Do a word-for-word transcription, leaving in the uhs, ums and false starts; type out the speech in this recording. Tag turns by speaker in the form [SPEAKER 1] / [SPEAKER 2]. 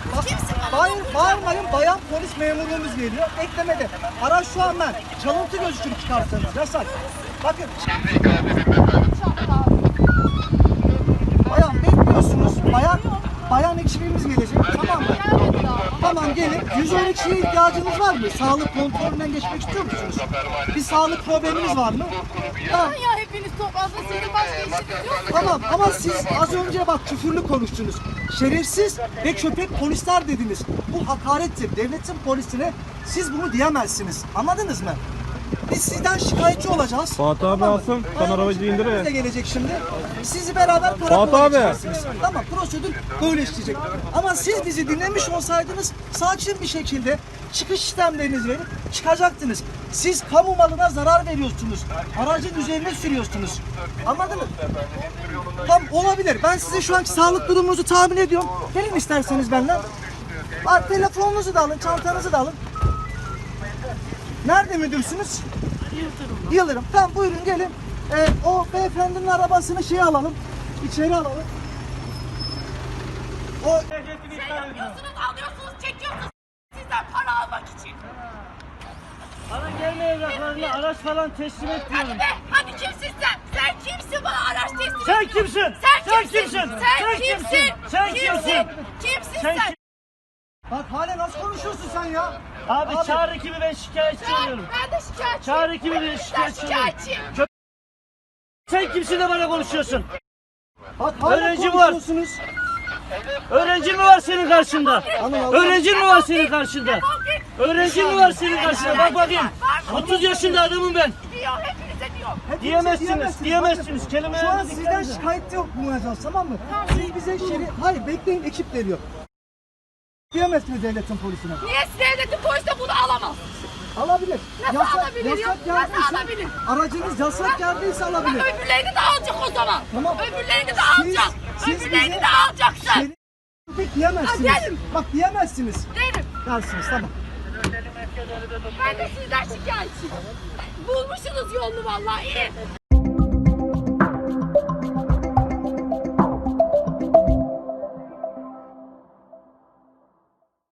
[SPEAKER 1] Kimsin bana?
[SPEAKER 2] Hayır, bağırmayın. Bayan polis memurluğumuz geliyor. Eklemede. Araç şu an ben. Çalıntı gözükür çıkarsanız. Yasak. Bakın. Bayan bekliyorsunuz. Bayan bayan ekibimiz gelecek. Tamam mı? Tamam gelin. yüz on ikiye ihtiyacınız var mı? Sağlık kontrolünden geçmek istiyor musunuz? Bir sağlık probleminiz var mı? Ha.
[SPEAKER 1] Ya hepiniz toplansa sizin başka işiniz yok mu?
[SPEAKER 2] Tamam ama siz az önce bak küfürlü konuştunuz. Şerefsiz ve köpek polisler dediniz. Bu hakarettir. Devletin polisine siz bunu diyemezsiniz. Anladınız mı? Biz sizden şikayetçi olacağız.
[SPEAKER 3] Fatih abi alsın, sen arabacı indir ya.
[SPEAKER 2] De gelecek şimdi. Sizi beraber
[SPEAKER 3] Fatih
[SPEAKER 2] karakola
[SPEAKER 3] abi.
[SPEAKER 2] geçeceksiniz. Tamam, prosedür böyle işleyecek. Ama siz bizi dinlemiş olsaydınız sakin bir şekilde çıkış işlemlerinizi verip çıkacaktınız. Siz kamu malına zarar veriyorsunuz. Aracın üzerine sürüyorsunuz. Anladın mı? Tam olabilir. Ben size şu anki sağlık durumunuzu tahmin ediyorum. Gelin isterseniz benden. Bak, telefonunuzu da alın, çantanızı da alın. Nerede müdürsünüz? Yıldırım. Yıldırım. Tamam, buyurun gelin. Ee, o beyefendinin arabasını şey alalım. İçeri alalım. O
[SPEAKER 1] Yapıyorsunuz, alıyorsunuz, çekiyorsunuz sizden para almak için.
[SPEAKER 4] Bana gelme evraklarını, araç falan teslim et diyorum.
[SPEAKER 1] Hadi be, hadi kimsin sen? Sen kimsin bana araç teslim
[SPEAKER 4] Sen
[SPEAKER 1] ediyorsun?
[SPEAKER 4] kimsin?
[SPEAKER 1] Sen,
[SPEAKER 4] Sen
[SPEAKER 1] kimsin?
[SPEAKER 4] kimsin?
[SPEAKER 1] Sen,
[SPEAKER 4] Sen
[SPEAKER 1] kimsin?
[SPEAKER 4] kimsin? Sen kimsin?
[SPEAKER 1] Kimsin
[SPEAKER 4] Sen
[SPEAKER 1] sen?
[SPEAKER 4] kim?
[SPEAKER 2] bak hala nasıl konuşuyorsun sen ya?
[SPEAKER 4] Abi, çağır ekibi, ben şikayetçi
[SPEAKER 1] Sen,
[SPEAKER 4] oluyorum.
[SPEAKER 1] ben de şikayetçiyim.
[SPEAKER 4] Çağır ekibi, ben
[SPEAKER 1] Ben
[SPEAKER 4] şikayetçi oluyorum.
[SPEAKER 1] şikayetçiyim.
[SPEAKER 4] Kö- Sen kimsin de bana konuşuyorsun?
[SPEAKER 2] Bak hala
[SPEAKER 4] Öğrenci var.
[SPEAKER 2] konuşuyorsunuz.
[SPEAKER 4] Öğrenci mi var senin karşında?
[SPEAKER 2] Alın, alın.
[SPEAKER 4] Öğrenci mi var senin karşında? Öğrenci mi var senin karşında? Bak bakayım. otuz yaşında adamım ben.
[SPEAKER 1] Diyor, hepinize diyor.
[SPEAKER 2] Hepinize
[SPEAKER 4] Diyemezsiniz, diyemezsiniz.
[SPEAKER 2] Bakın,
[SPEAKER 4] Kelimelerinizi
[SPEAKER 2] şu an
[SPEAKER 4] dikkat
[SPEAKER 2] sizden
[SPEAKER 4] edin.
[SPEAKER 2] şikayetçi olmayacağız, tamam mı? Siz bize şeri... Hayır, bekleyin, ekip geliyor. Diyemezsiniz devletin polisine.
[SPEAKER 1] Niye devletin polisi de bunu alamaz?
[SPEAKER 2] Alabilir.
[SPEAKER 1] Nasıl alabilir ya?
[SPEAKER 2] yasak
[SPEAKER 1] Nasıl
[SPEAKER 2] geldiyse-
[SPEAKER 1] alabilir?
[SPEAKER 2] Aracınız yasak geldiyse alabilir.
[SPEAKER 1] Öbürlerini de alacak o zaman.
[SPEAKER 2] Tamam.
[SPEAKER 1] Öbürlerini de
[SPEAKER 2] Siz-
[SPEAKER 1] alacak.
[SPEAKER 2] siz
[SPEAKER 1] Öbürlerini
[SPEAKER 2] bize-
[SPEAKER 1] de alacaksın.
[SPEAKER 2] Şeri... Pek diyemezsiniz.
[SPEAKER 1] Ha, derim.
[SPEAKER 2] Bak diyemezsiniz.
[SPEAKER 1] Derim.
[SPEAKER 2] Dersiniz, tamam.
[SPEAKER 1] Ben de sizden şikayetçiyim. Bulmuşsunuz yolunu vallahi iyi.